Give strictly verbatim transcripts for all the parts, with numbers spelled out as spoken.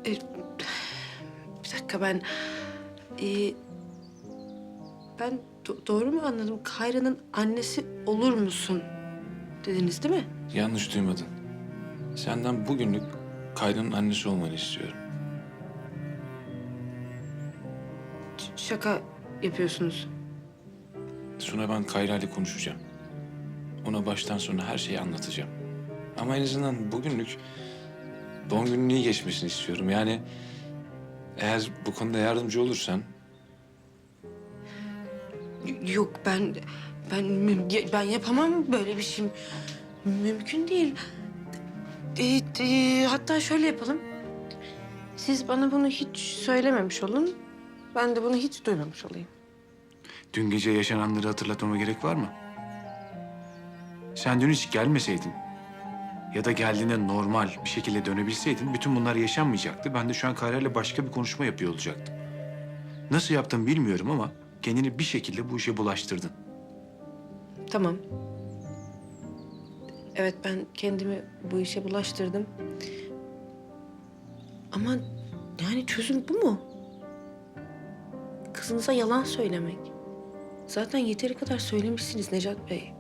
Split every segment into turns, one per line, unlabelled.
E, bir dakika ben... e, ben do- doğru mu anladım? Kayra'nın annesi olur musun dediniz değil mi?
Yanlış duymadın. Senden bugünlük Kayra'nın annesi olmanı istiyorum.
Ş- şaka yapıyorsunuz.
Sonra ben Kayra ile konuşacağım. Ona baştan sona her şeyi anlatacağım. Ama en azından bugünlük doğum gününün iyi geçmesini istiyorum. Yani eğer bu konuda yardımcı olursan...
Y- Yok ben ben müm- ben yapamam böyle bir şey. Mümkün değil. E, e, hatta şöyle yapalım. Siz bana bunu hiç söylememiş olun. Ben de bunu hiç duymamış olayım.
Dün gece yaşananları hatırlatmama gerek var mı? Sen dün hiç gelmeseydin ya da geldiğinde normal bir şekilde dönebilseydin bütün bunlar yaşanmayacaktı. Ben de şu an Kayra'yla başka bir konuşma yapıyor olacaktım. Nasıl yaptım bilmiyorum ama kendini bir şekilde bu işe bulaştırdın.
Tamam. Evet ben kendimi bu işe bulaştırdım. Ama yani çözüm bu mu? Kızınıza yalan söylemek. Zaten yeteri kadar söylemişsiniz Necat Bey.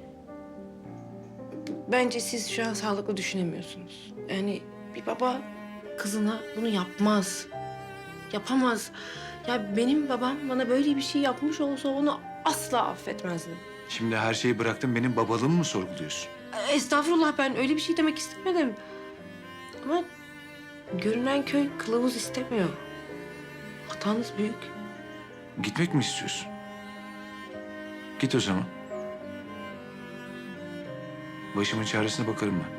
Bence siz şu an sağlıklı düşünemiyorsunuz. Yani bir baba kızına bunu yapmaz. Yapamaz. Ya benim babam bana böyle bir şey yapmış olsa onu asla affetmezdim.
Şimdi her şeyi bıraktın benim babalığımı mı sorguluyorsun?
Estağfurullah ben öyle bir şey demek istemedim. Ama görünen köy kılavuz istemiyor. Hatanız büyük.
Gitmek mi istiyorsun? Git o zaman. Başımın çaresine bakarım ben.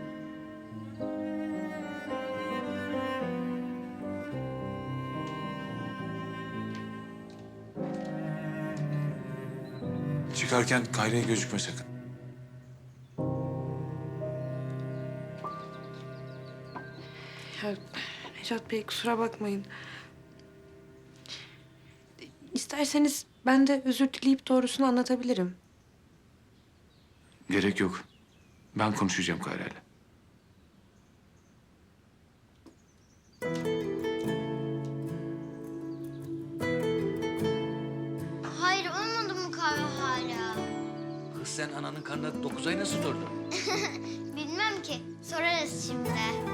Çıkarken Kayra'ya gözükme sakın.
Ya Necat Bey kusura bakmayın. İsterseniz ben de özür dileyip doğrusunu anlatabilirim.
Gerek yok. Ben konuşacağım Kayra'yla.
Hayır olmadı mı kahve hala?
Kız sen ananın karnına dokuz ay nasıl durdun?
Bilmem ki. Sorarız şimdi.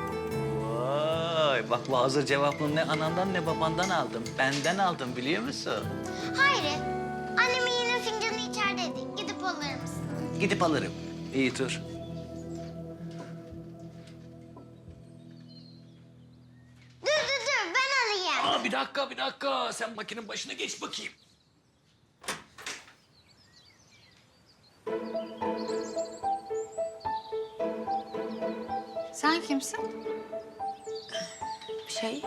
Vay bak bu hazır cevabını ne anandan ne babandan aldım. Benden aldım biliyor musun?
Hayır. Annemin yine fincanı içerideydi. Gidip alır mısın?
Gidip alırım. İyi dur.
Dur dur dur ben alayım.
Aa bir dakika bir dakika. Sen makinenin başına geç bakayım.
Sen kimsin?
Şey...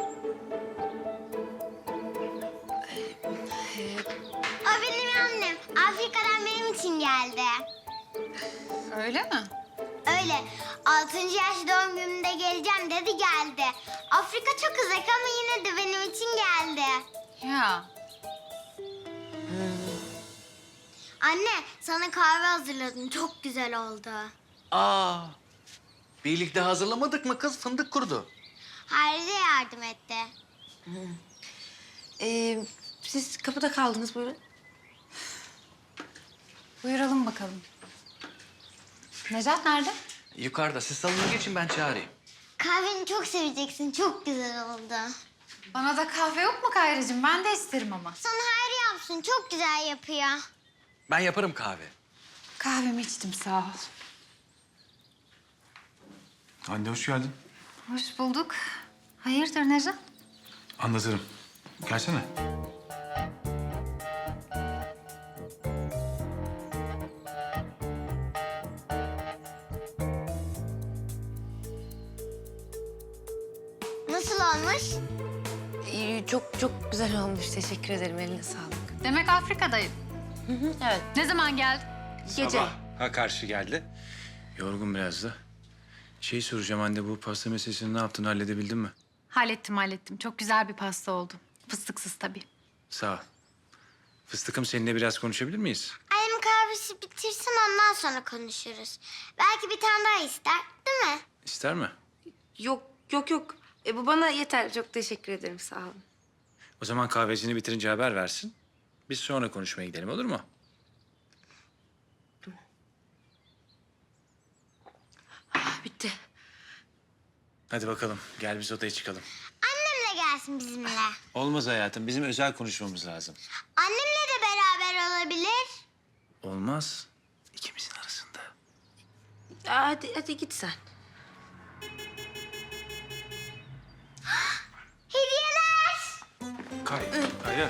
O benim annem. Afrika'dan benim için geldi.
Öyle mi?
Öyle. Altıncı yaş doğum günümde geleceğim dedi geldi. Afrika çok uzak ama yine de benim için geldi.
Ya
Anne sana kahve hazırladım. Çok güzel oldu.
Aa birlikte hazırlamadık mı kız fındık kurdu.
Hayri de yardım etti.
Ee, siz kapıda kaldınız buyurun.
buyuralım bakalım. Necat nerede?
Yukarıda siz salona geçin ben çağırayım.
Kahveni çok seveceksin. Çok güzel oldu.
Bana da kahve yok mu Kayracığım? Ben de isterim ama.
Sana Hayri yapsın. Çok güzel yapıyor.
Ben yaparım kahve.
Kahvemi içtim sağ ol.
Anne hoş geldin.
Hoş bulduk. Hayırdır Necat?
Anlatırım. Gelsene.
Nasıl olmuş?
Ee, çok çok güzel olmuş. Teşekkür ederim. Eline sağlık.
Demek Afrika'dayım.
Evet.
Ne zaman geldin?
Gece.
Sabah. Ha karşı geldi. Yorgun biraz da. Şey soracağım anne bu pasta meselesini ne yaptın halledebildin mi?
Hallettim hallettim. Çok güzel bir pasta oldu. Fıstıksız tabii.
Sağ ol. Fıstıkım seninle biraz konuşabilir miyiz?
Annem kahvesi bitirsin ondan sonra konuşuruz. Belki bir tane daha ister değil mi?
İster mi?
Yok yok yok. E, bu bana yeter. Çok teşekkür ederim. Sağ olun.
O zaman kahvesini bitirince haber versin. Biz sonra konuşmaya gidelim, olur mu?
Ah, bitti.
Hadi bakalım, gel biz odaya çıkalım.
Annem de gelsin bizimle.
Olmaz hayatım, bizim özel konuşmamız lazım.
Annemle de beraber olabilir.
Olmaz. İkimizin arasında.
Aa, hadi, hadi git sen.
Hediyeler.
Kay, Kayra.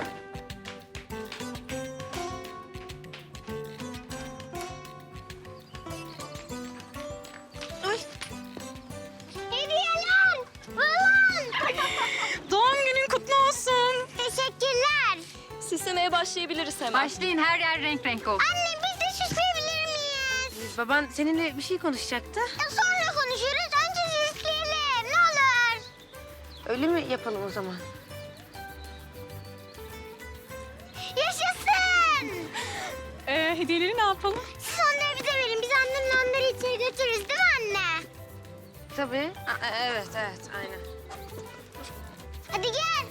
Ay.
Hediyeler. Ulan.
Doğum günün kutlu olsun.
Teşekkürler.
Süslemeye başlayabiliriz hemen.
Başlayın, her yer renk renk olsun.
Anne biz de süsleyebilir miyiz?
Baban seninle bir şey konuşacaktı.
Ya sonra konuşuruz. Önce süsleyelim. Ne olur.
Öyle mi yapalım o zaman?
Yaşasın.
Ee, hediyeleri ne yapalım?
Siz onları bize verin. Biz annemle onları içeri götürürüz değil mi anne?
Tabii. Aa, evet, evet. Aynen.
Hadi gel.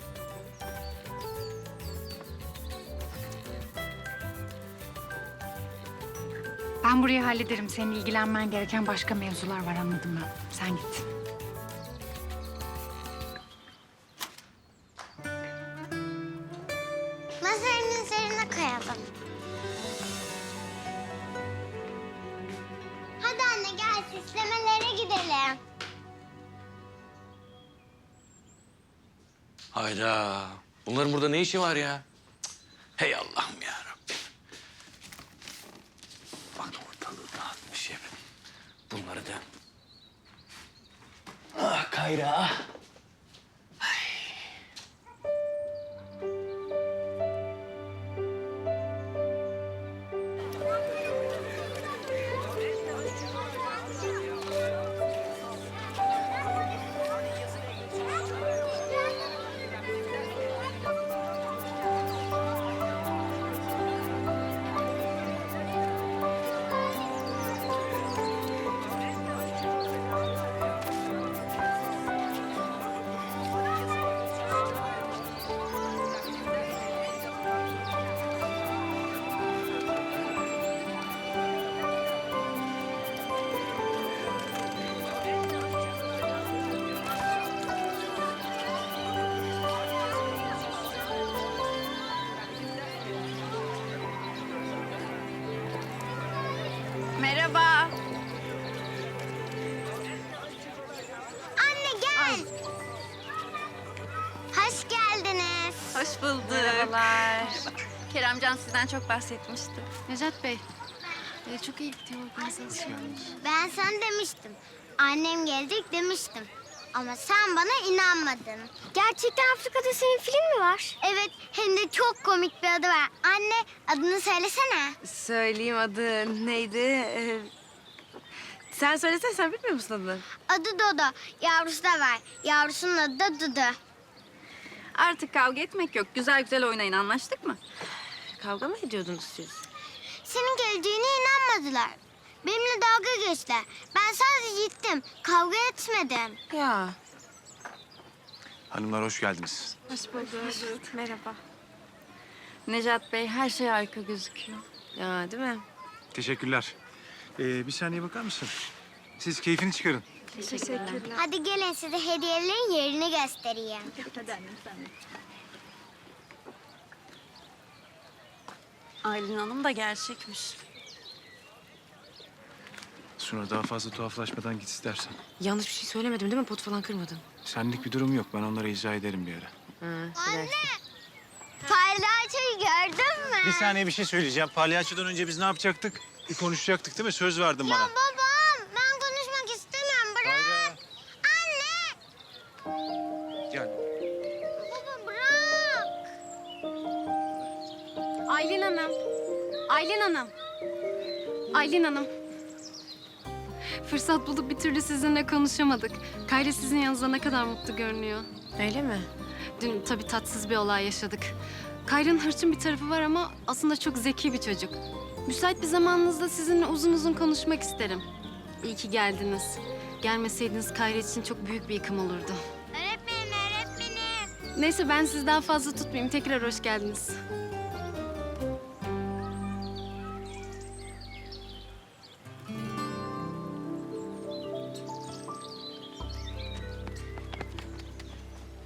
Ben burayı hallederim. Senin ilgilenmen gereken başka mevzular var, anladım ben. Sen git.
Masanın üzerine koyalım. Hadi anne gel süslemelere gidelim.
Hayda. Bunların burada ne işi var ya? Cık. Hey Allah'ım ya Rabbim. Bak ortalığı dağıtmış hep. Bunları da. Ah Kayra. ah.
Merhaba.
Anne gel. Hoş geldiniz.
Hoş bulduk.
Merhabalar.
Keremcan sizden çok bahsetmişti.
Necat Bey, e, çok iyi gidiyor organizasyon.
Ben sana demiştim. Annem gelecek demiştim. Ama sen bana inanmadın. Gerçekten Afrika'da senin film mi var? Evet, hem de çok komik bir adı var. Anne, adını söylesene.
Söyleyeyim adı neydi? Ee, sen söylesen sen bilmiyor musun adını?
Adı Dodo. Yavrusu da var. Yavrusunun adı da Dudu.
Artık kavga etmek yok. Güzel güzel oynayın, anlaştık mı?
Kavga mı ediyordunuz siz?
Senin geleceğine inanmadılar. Benimle dalga geçtiler. Ben sadece gittim. Kavga etmedim.
Ya.
Hanımlar hoş geldiniz.
Hoş bulduk. Merhaba.
Necat Bey, her şey harika gözüküyor.
Ya değil mi?
Teşekkürler. Ee, bir saniye bakar mısın? Siz keyfini çıkarın.
Teşekkürler.
Hadi gelin size hediyelerin yerini göstereyim.
Aylin Hanım da gerçekmiş.
Sonra daha fazla tuhaflaşmadan git istersen.
Yanlış bir şey söylemedim değil mi? Pot falan kırmadım.
Senlik bir durum yok. Ben onlara izah ederim bir ara.
Ha,
Anne! Palyaçoyu gördün mü?
Bir saniye bir şey söyleyeceğim. Palyaçodan önce biz ne yapacaktık? Bir konuşacaktık değil mi? Söz verdin
Ya
bana.
babam ben konuşmak istemiyorum. Bırak. Anne!
Gel.
Baba bırak.
Aylin Hanım. Aylin Hanım. Aylin Hanım. Fırsat bulup bir türlü sizinle konuşamadık. Kayra sizin yanınızda ne kadar mutlu görünüyor.
Öyle mi?
Dün tabii tatsız bir olay yaşadık. Kayra'nın hırçın bir tarafı var ama aslında çok zeki bir çocuk. Müsait bir zamanınızda sizinle uzun uzun konuşmak isterim.
İyi ki geldiniz. Gelmeseydiniz Kayra için çok büyük bir yıkım olurdu.
Öğretmenim, öğretmenim.
Neyse ben sizi daha fazla tutmayayım. Tekrar hoş geldiniz.